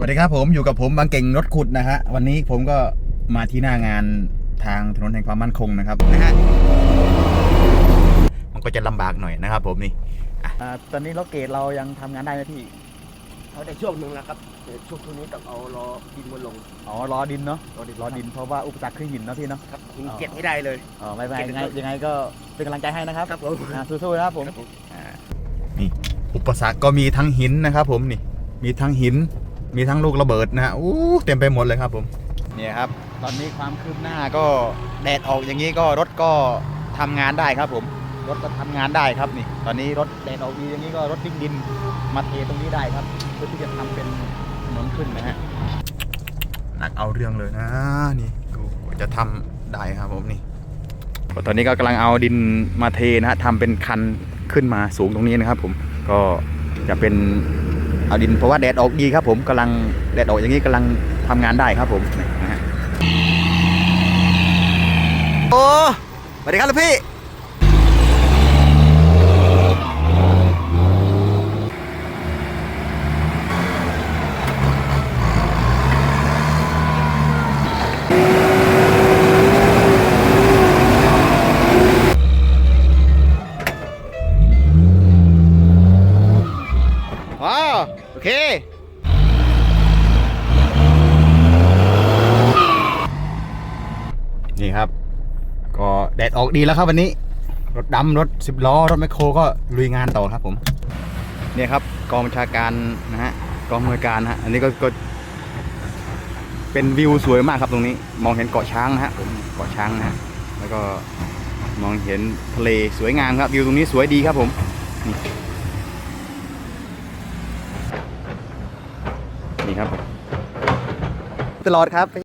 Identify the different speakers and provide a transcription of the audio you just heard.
Speaker 1: วัสดีครับผมอยู่กับผมบางเก่งรถขุดนะฮะวันนี้ผมก็มาที่หน้างานทางถนนแห่งความมั่นคงนะครับนะฮะมันก็จะลำบากหน่อยนะครับผมนี่ตอนนี้รถเกรดเรายังทำงานได้ไหมพี่
Speaker 2: เขาได้ช่วงหนึ่งแล้วครับช่วงนี้ต้องเอาล้อดินมาลง
Speaker 1: รอดินเนาะรอดินเพราะว่าอุปสรรคคือหินเนาะพี่เนาะ
Speaker 2: ครับหินเก็บให้ได้เลย
Speaker 1: ไม่เป็นไรยังไงก็เป็นกำลังใจให้นะครับ
Speaker 2: ครับผม
Speaker 1: สู้ๆนะครับผมนี่อุปสรรคก็มีทั้งหินนะครับผมนี่มีทั้งหินมีทั้งลูกระเบิดนะฮะเต็มไปหมดเลยครับผมเนี่ยครับตอนนี้ความคืบหน้าก็แดดออกอย่างนี้ก็รถก็ทำงานได้ครับผมรถก็ทำงานได้ครับนี่ตอนนี้รถแดดออกดีอย่างนี้ก็รถวิ่งดินมาเทตรงนี้ได้ครับเพื่อที่จะทำเป็นถนนขึ้นนะฮะหนักเอาเรื่องเลยนะนี่ดูจะทำได้ครับผมนี่ตอนนี้ก็กำลังเอาดินมาเทนะฮะทำเป็นคันขึ้นมาสูงตรงนี้นะครับผมก็จะเป็นเอาดินเพราะว่าแดดออกดีครับผมกำลังแดดออกอย่างนี้กำลังทำงานได้ครับผมนะฮะโอ้สวัสดีครับลูกพี่โอเคนี่ครับก็แดดออกดีแล้วครับวันนี้รถดำรถ10 ล้อรถแมคโครก็ลุยงานต่อครับผมเนี่ยครับกองบัญชาการนะฮะกองอำนวยการนะฮะอันนี้ก็เป็นวิวสวยมากครับตรงนี้มองเห็นเกาะช้างนะฮะผมเกาะช้างนะฮะแล้วก็มองเห็นทะเลสวยงามครับวิวตรงนี้สวยดีครับผมนี่ครับตลอดครับ